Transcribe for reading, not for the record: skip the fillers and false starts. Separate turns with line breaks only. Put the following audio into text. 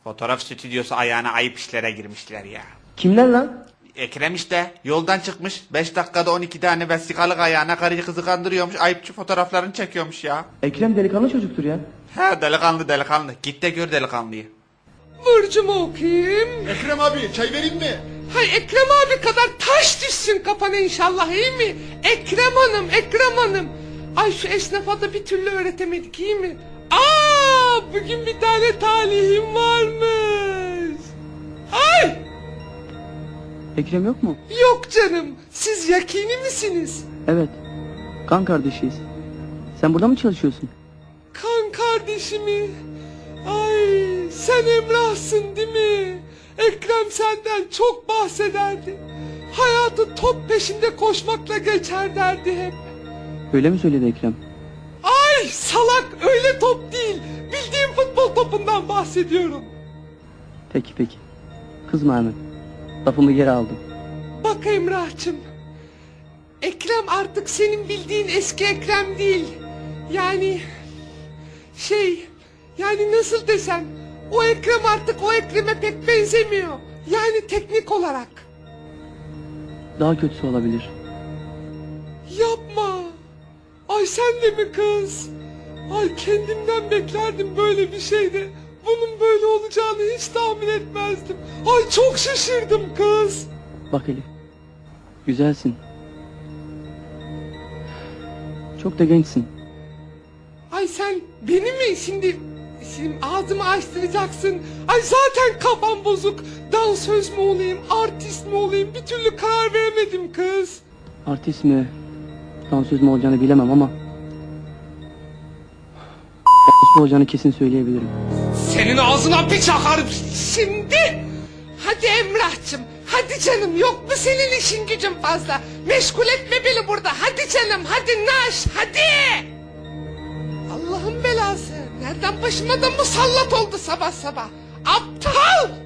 Fotoğraf stüdyosu ayağına ayıp işlere girmişler ya.
Kimler lan?
Ekrem işte yoldan çıkmış 5 dakikada 12 tane vesikalık ayağına karıyı kızı kandırıyormuş, ayıpçı fotoğraflarını çekiyormuş ya.
Ekrem delikanlı çocuktur ya.
He delikanlı git de gör delikanlıyı.
Burcumu okuyayım.
Ekrem abi çay vereyim mi?
Hay Ekrem abi kadar taş düşsün kafana inşallah, iyi mi? Ekrem Hanım. Ay şu esnafa da bir türlü öğretemedik, iyi mi? Bugün bir tane talihim varmış. Ay!
Ekrem yok mu?
Yok canım, siz yakini misiniz?
Evet. Kan kardeşiyiz. Sen burada mı çalışıyorsun?
Kan kardeşimi. Ay sen Emrah'sın değil mi? Ekrem senden çok bahsederdi. Hayatı top peşinde koşmakla geçer derdi hep.
Öyle mi söyledi Ekrem?
Ay salak, öyle top değil. Bildiğim futbol topundan bahsediyorum.
Peki. Kızma hemen. Lafımı geri aldım.
Bak Emrah'cığım. Ekrem artık senin bildiğin eski Ekrem değil. Yani nasıl desem, o Ekrem artık o Ekrem'e pek benzemiyor. Yani teknik olarak.
Daha kötüsü olabilir.
Yapma. Ay sen de mi kız? Ay kendimden beklerdim böyle bir şeyde. Bunun böyle olacağını hiç tahmin etmezdim. Ay çok şaşırdım kız.
Bak Elif. Güzelsin. Çok da gençsin.
Ay sen beni mi şimdi ağzımı açtıracaksın? Ay zaten kafam bozuk. Dansöz mü olayım, artist mi olayım, bir türlü karar veremedim kız.
Artist mi, dansöz mü olacağını bilemem ama mi olacağını kesin söyleyebilirim.
Senin ağzına bir çakarım şimdi. Hadi Emrah'cığım, hadi canım, yok mu senin işin gücün fazla? Meşgul etme beni burada, hadi canım, hadi naş, hadi. Allah'ın belası, nereden başıma da musallat oldu sabah sabah. Aptal.